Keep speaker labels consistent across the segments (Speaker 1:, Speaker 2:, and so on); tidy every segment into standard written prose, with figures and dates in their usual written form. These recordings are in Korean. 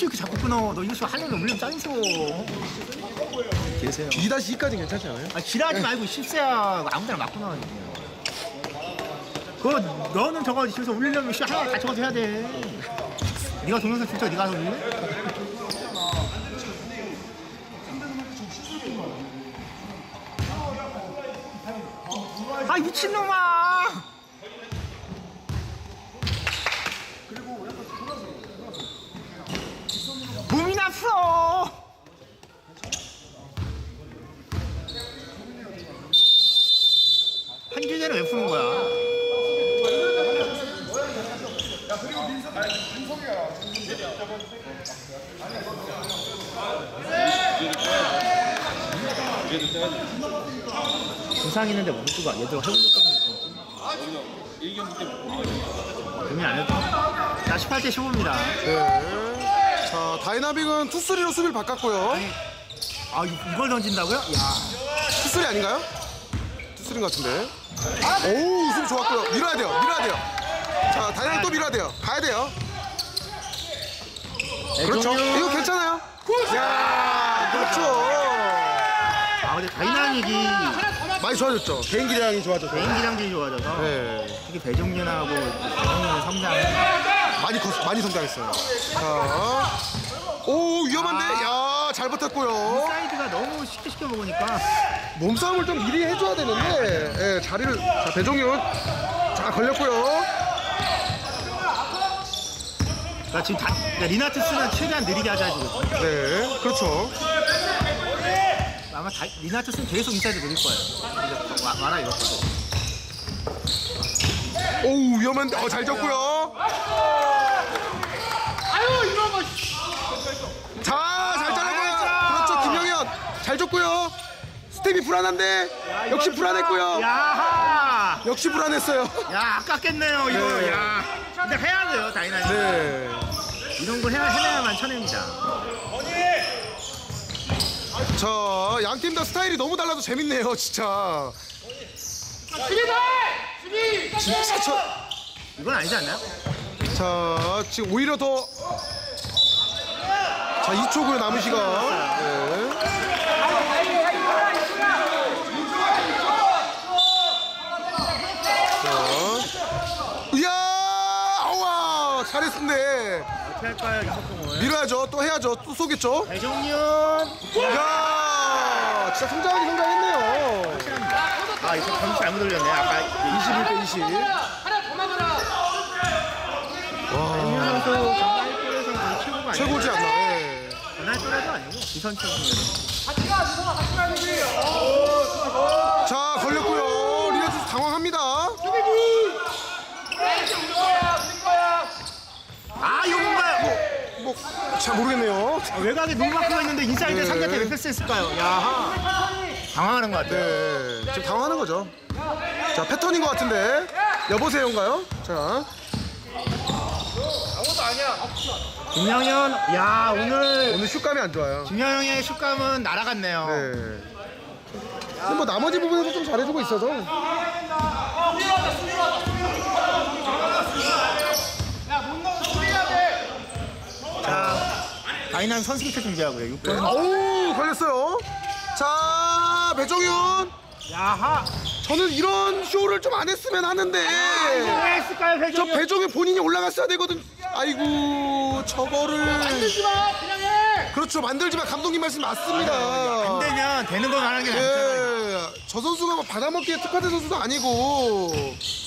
Speaker 1: 굳이 이렇게 자꾸 끊어. 너 이거 좀 하려면 물리면 짜증 계세요.
Speaker 2: 2-2까지 괜찮지 않아요?
Speaker 1: 아, 지랄하지 말고 실세야 아무데나 맞고 나와. 그거 너는 저거 집에서 울리려면 하나 다 적어서 해야 돼. 네가 동영상 진짜 네가 가서 울래? 아 미친놈아! 몸이나 풀어! 한길제는 왜 푸는 거야? 부상 있는데 못 쓰고 얘들 해본 적 고민 안 해도 자 18대 15입니다.
Speaker 2: 네. 자, 다이나믹은 투쓰리로 수비를 바꿨고요.
Speaker 1: 아 이걸 던진다고요? 야
Speaker 2: 투쓰리 아닌가요? 투쓰리인 것 같은데. 오우, 수비 좋았고요. 밀어야 돼요. 밀어야 돼요. 자, 다이나믹 또 밀어야 돼요. 가야 돼요. 그렇죠. 이거 괜찮아요. 야, 그렇죠.
Speaker 1: 아 근데 다이나믹이
Speaker 2: 많이 좋아졌죠. 개인기량이 좋아져서.
Speaker 1: 개인기량들이 좋아져서
Speaker 2: 네.
Speaker 1: 특히 배종윤하고 배종윤의 성장이
Speaker 2: 많이 성장했어요. 자, 오, 위험한데. 야, 잘 버텼고요.
Speaker 1: 사이드가 너무 쉽게 시켜 먹으니까
Speaker 2: 몸싸움을 좀 미리 해줘야 되는데, 예, 자리를. 자, 배종윤. 자, 걸렸고요.
Speaker 1: 그러니까 지금 그러니까 리나트스는 최대한 느리게 하자 지금.
Speaker 2: 네, 그렇죠.
Speaker 1: 아마 리나트스는 계속 인사이드 노릴 거예요. 이제 와라 이럴 거예요.
Speaker 2: 오우, 위험한데. 잘 졌고요.
Speaker 1: 아유 이놈아.
Speaker 2: 자, 잘 잘랐고요. 그렇죠, 김영현. 잘 줬고요. 스텝이 불안한데, 역시 불안했고요.
Speaker 1: 야하.
Speaker 2: 역시 불안했어요.
Speaker 1: 야 아깝겠네요 이거.
Speaker 2: 네.
Speaker 1: 야. 근데 해야 돼요 다이나믹.
Speaker 2: 네.
Speaker 1: 이런 걸 해내야만 쳐냅니다.
Speaker 2: 자, 양 팀 다 스타일이 너무 달라서 재밌네요, 진짜. 진짜
Speaker 1: 이건 아니지 않나요?
Speaker 2: 자, 지금 오히려 더. 자, 2초고요, 남은 시간. 네. 자, 이야, 와, 잘했는데.
Speaker 1: 어떻게 할까요 이 속공을?
Speaker 2: 밀어야죠, 또 해야죠, 또 쏘겠죠.
Speaker 1: 배종윤.
Speaker 2: 이야, 진짜 성장하긴 성장했네요.
Speaker 1: 아 이거 점수 잘못 올렸네. 아까
Speaker 2: 21대 20.
Speaker 1: 배종윤 선수 정말 1골에서 거의 최고가 아니에요.
Speaker 2: 최고지 않나. 예.
Speaker 1: 전할 또래도 아니고 기선치 중에.
Speaker 2: 자, 걸렸고요. 리나투스 당황합니다.
Speaker 1: 아 이거 뭔가요?
Speaker 2: 잘 모르겠네요.
Speaker 1: 외곽에 농마크가 있는데 인사이드
Speaker 2: 네.
Speaker 1: 상대한테 왜 패스했을까요? 야하. 당황하는 것 같아요.
Speaker 2: 네, 지금 당황하는 거죠. 자, 패턴인 것 같은데. 여보세요인가요? 자,
Speaker 1: 김영현, 야 오늘
Speaker 2: 슛감이 안 좋아요.
Speaker 1: 김영현의 슛감은 날아갔네요.
Speaker 2: 네. 근데 뭐 나머지 부분에서 좀 잘해주고 있어서.
Speaker 1: 자, 다이난 선수 교체 준비하고요. 6번.
Speaker 2: 오, 걸렸어요. 자, 배종윤.
Speaker 1: 야하.
Speaker 2: 저는 이런 쇼를 좀 안 했으면 하는데.
Speaker 1: 왜 했을까요,
Speaker 2: 저
Speaker 1: 배종현?
Speaker 2: 배종윤 본인이 올라갔어야 되거든. 아이고, 저거를.
Speaker 1: 만들지 마, 그냥 해.
Speaker 2: 그렇죠, 만들지만 감독님 말씀 맞습니다.
Speaker 1: 안 되면 되는 거 말하는 게 낫잖아요.
Speaker 2: 예, 저 선수가 뭐 받아먹기에 특화된 선수도 아니고.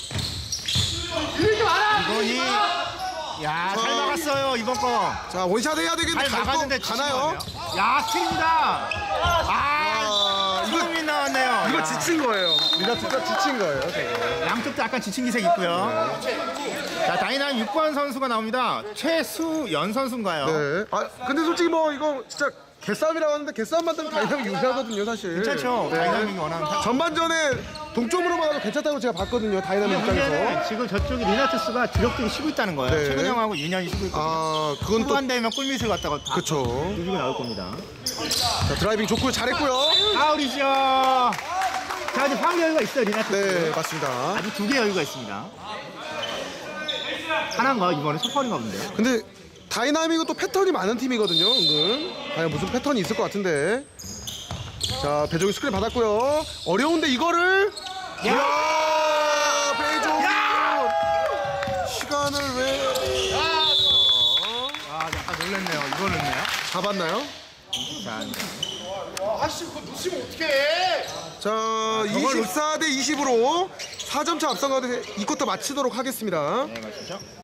Speaker 1: 이번이 야, 잘 막았어요, 이번 거.
Speaker 2: 자, 원샷 해야 되겠는데
Speaker 1: 잘 막았는데
Speaker 2: 가나요?
Speaker 1: 야, 스틸입니다.
Speaker 2: 아,
Speaker 1: 이거 나왔네요.
Speaker 2: 이거
Speaker 1: 야.
Speaker 2: 지친 거예요. 리나투스가 지친 거예요. 저거.
Speaker 1: 양쪽도 약간 지친 기색 있고요. 자, 다이난 6번 선수가 나옵니다. 최수연 선수인가요?
Speaker 2: 네. 아, 근데 솔직히 뭐 이거 진짜 개싸움이라고 하는데 개싸움만 되면 다이나믹 유리하거든요, 사실.
Speaker 1: 괜찮죠?
Speaker 2: 네.
Speaker 1: 다이나믹이 원하는.
Speaker 2: 전반전에 동점으로만 하도 괜찮다고 제가 봤거든요, 다이나믹 입장에서.
Speaker 1: 문제는 지금 저쪽에 리나투스가 주력들이 쉬고 있다는 거예요.
Speaker 2: 네.
Speaker 1: 최근영하고 윤현이 쉬고 있거든요.
Speaker 2: 아, 그건 또.
Speaker 1: 후반 되면 꿀밑을 갖다가 다
Speaker 2: 그쵸.
Speaker 1: 누르고 나올 겁니다.
Speaker 2: 자, 드라이빙 좋고요, 잘했고요.
Speaker 1: 파울이죠. 자, 이제 파울 여유가 있어요, 리나투스.
Speaker 2: 네, 맞습니다.
Speaker 1: 아직 2개 여유가 있습니다. 하나인가? 이번에 소파인가 본데요?
Speaker 2: 근데 다이나믹은 또 패턴이 많은 팀이거든요. 은근. 과연 무슨 패턴이 있을 것 같은데. 자, 배종이 스크린 받았고요. 어려운데 이거를. 이야, 배종. 시간을 왜?
Speaker 1: 아, 약간 놀랬네요. 이거 넣네요.
Speaker 2: 잡았나요?
Speaker 1: 자,
Speaker 3: 아씨 그거 놓치면 어떡해.
Speaker 2: 자, 24대 20으로 4점 차 앞선 가운데 이 쿼터 마치도록 하겠습니다.
Speaker 1: 네, 가시죠.